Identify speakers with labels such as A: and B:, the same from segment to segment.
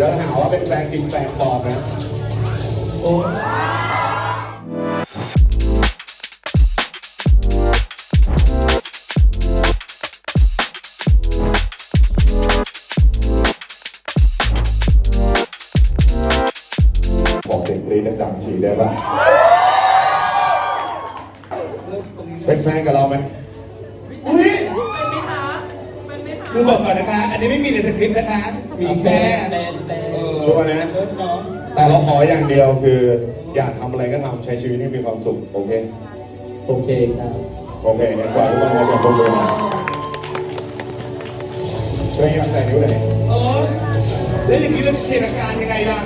A: ดี๋ยวหาว่าเป็นแฟนจริงแฟนปลอมนะโอ้บอกเสียงกรี๊ดดังๆทีได้ป่ะเป็นแฟนกับเราไหมอุ้ยคือบอกก่อนนะคะอันนี้ไม่มีในสคริปต์นะคะมีแค่ชัวร์นะแต่เราขออย่างเดียวคืออยากทำอะไรก็ทำใช้ชีวิตให้มีความสุขโอเค
B: โอเคครับ
A: โอเคงั้นก่อนทุกคนมาชมตัวนะตัวเองอยากใส่นิ้วไหนแล้วอย่างนี้เราจะเขียนอาการยังไงล่ะ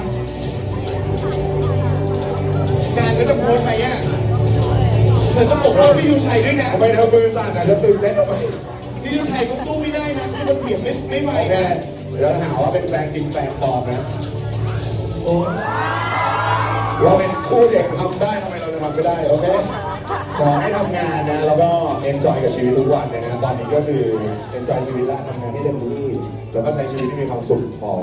A: การก็จะโพสไปอ่ะเธอต้องปกป้องพี่ยูชัยด้วยนะทำไมเธอมือสั่นอ่ะเธอตื่นเต้นทำไมพี่ยูชัยก็สู้ไม่ได้นะที่มันเถียงไม่ไหวแค่เดี๋ยวหาว่าเป็นแฟนจริงแฟนปลอมนะโอ้เราเป็นคู่เด็กทำได้ทำไมเราจะทำไม่ได้โอเคขอให้ทำงานนะแล้วก็เอนจอยกับชีวิตทุกวันนะตอนนี้ก็คือเอนจอยชีวิตและทำงานที่เต็มที่แล้วก็ใช้ชีวิตที่มีความสุขพอ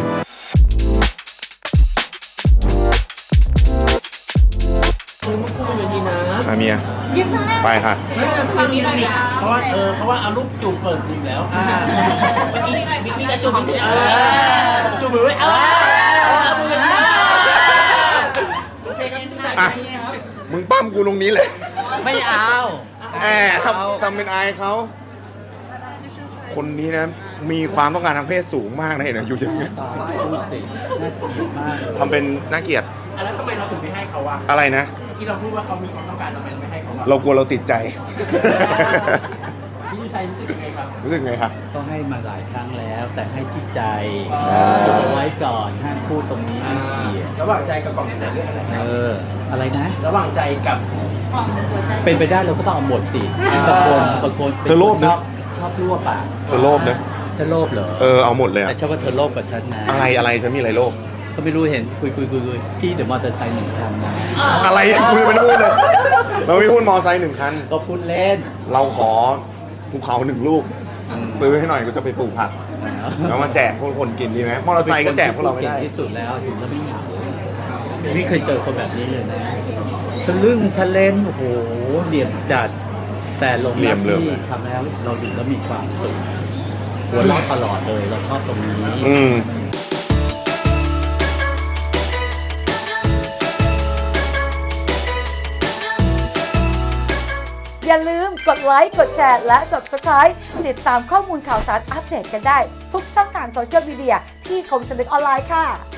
A: เมียไปค่ะ
C: ทำนี้ได้ดิเพราะว่าเอารูปจูบเปิดอยู่แล้วเมื่อกี้มีกระจูบด้วยจูบมือด้วย
A: มึงปั้มกูตรงนี้เลย
C: ไม่เอา
A: ทำเป็นอายเขาคนนี้นะมีความต้องการทางเพศสูงมากนะเห็นไหมอยู่อย่างนี้ทำเป็นน่าเกลียด
C: แล้วทำไมเราถึงไม่ให้เขาวะ
A: อะไรนะ
C: ที่เราพูดว่าเขามีความต้องการทำไมไม่ให้เขา
A: เรากลัวเราติดใจ
C: พี่ชัยรู้สึกยังไงครับ
A: รู้สึกไงครับ
B: ก็ให้มาหลายครั้งแล้วแต่ให้ที่ใจเอาไว้ก่อนห้ามพูดตรงนี้
C: ระหว่างใจกับกล่องแต่เรื่องอะไร
B: อะไรนะ
C: ระหว่างใจกับ
B: เป็นไปได้เราก็ต้องเอาหมดสิตะโกน
A: เธอโลภนะ
B: ชอบรั่วปาก
A: เธอโลภนะ
B: ฉันโลภเหรอ
A: เอาหมดเลย
B: แต่ชอบว่าเธอโลภกับฉันนะ
A: อะไรเธอมีอะไรโลภ
B: ก็ไม่รู้เห็นคุยพี่เดี๋ยวมอเตอร์ไซค์1 คันนะ
A: อะไรคุยไม่พูดเลยเราไม่พูดมอไซค์1 คัน
B: ก็พูดเล่น
A: เราขอภูเขา1 ลูกซื้อให้หน่อยก็จะไปปลูกผักแล้วมาแจกพวกคนกินดีไหมมอเตอร์ไซค์ก็แจกพวกเราไม่ได้
B: ที่สุดแล้วถึงแล้วไม่เหงาไม่เคยเจอคนแบบนี้เลยนะทะลึ่งทะเลนโอ้โหเหลี่ยมจัดแต่ลงที่ทำแล้วเราดูแล้วมีความสุขหัวเราะตลอดเลยเราชอบตรงนี้
D: อย่าลืมกดไลค์ กดแชร์ และ Subscribe ติดตามข้อมูลข่าวสารอัปเดตกันได้ทุกช่องทางโซเชียลมีเดียที่คมสนึกออนไลน์ค่ะ